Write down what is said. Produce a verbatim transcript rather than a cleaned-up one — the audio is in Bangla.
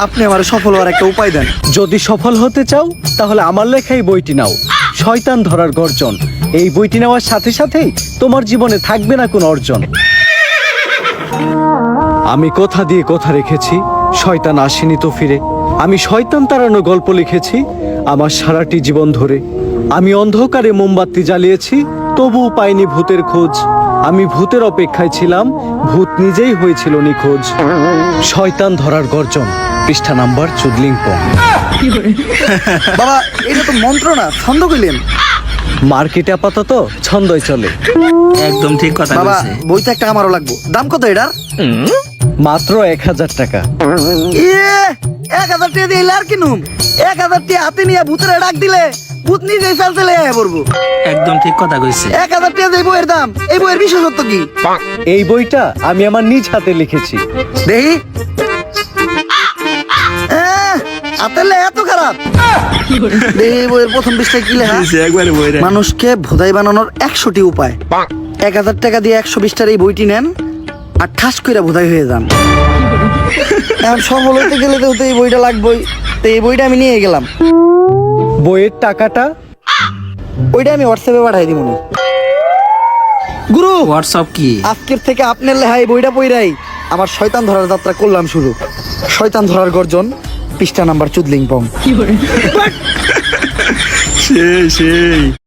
আপনি আমার সফল হওয়ার একটা উপায় দেন। যদি সফল হতে চাও তাহলে আমার লেখা এই বইটি নাও, শয়তান ধরার গর্জন। এই বইটি নেওয়ার সাথে সাথেই তোমার জীবনে থাকবে না কোনো অর্জন। আমি কথা দিয়ে কথা রেখেছি, শয়তান আসেনি তো ফিরে। আমি শয়তান তাড়ানো গল্প লিখেছি আমার সারাটি জীবন ধরে। আমি অন্ধকারে মোমবাতি জ্বালিয়েছি, তবুও পাইনি ভূতের খোঁজ। আমি ভূতের অপেক্ষায় ছিলাম, ভূত নিজেই হয়েছিল নিখোঁজ। শয়তান ধরার গর্জন, পৃষ্ঠা নাম্বার চুদলিংপং। বাবা এটা তো মন্ত্র না, ছন্দ কইলেন। মার্কেটে আপাতত ছন্দই চলে। একদম ঠিক কথা বাবা বলছে। বইটা একটা আমারও লাগবো। দাম কত এটার? মাত্র এক হাজার টাকা। ইয়ে এক হাজার টাকা দিয়ে এলে আর কিনুম? এক হাজার টাকা হাতে নিয়ে ভূতের ডাক দিলে ভূত নিজেই চাল চলে আয়া পড়বো। একদম ঠিক কথা কইছে। এক হাজার টাকা এই বইয়ের দাম। এই বইয়ের বিশেষত্ব কি? এই বইটা আমি আমার নিজ হাতে লিখেছি। দেখি আহ, হাতের লেখা এত খারাপ? দেখি এই বইয়ের প্রথম পৃষ্ঠায় কি লেখা? একবারে বইরা মানুষকে ভোদাই বানানোর একশোটি উপায়। এক হাজার টাকা দিয়ে একশো বিশটার এই বইটি নেন আর ঠাস করে ভোদাই হয়ে যান। এখন সফল হতে গেলে তো তো এই বইটা লাগবেই। তো এই বইটা আমি নিয়ে গেলাম। বইয়ের টাকাটা ওইটা আমি হোয়াটসঅ্যাপে পাঠাই দিব। গুরু হোয়াটসঅ্যাপ কি? আজকের থেকে আপনার লেখা এই বইটা পইরাই আমার শয়তান ধরার যাত্রা করলাম শুরু। শয়তান ধরার গর্জন, পৃষ্ঠা নাম্বার চুদলিংপং। সেই সেই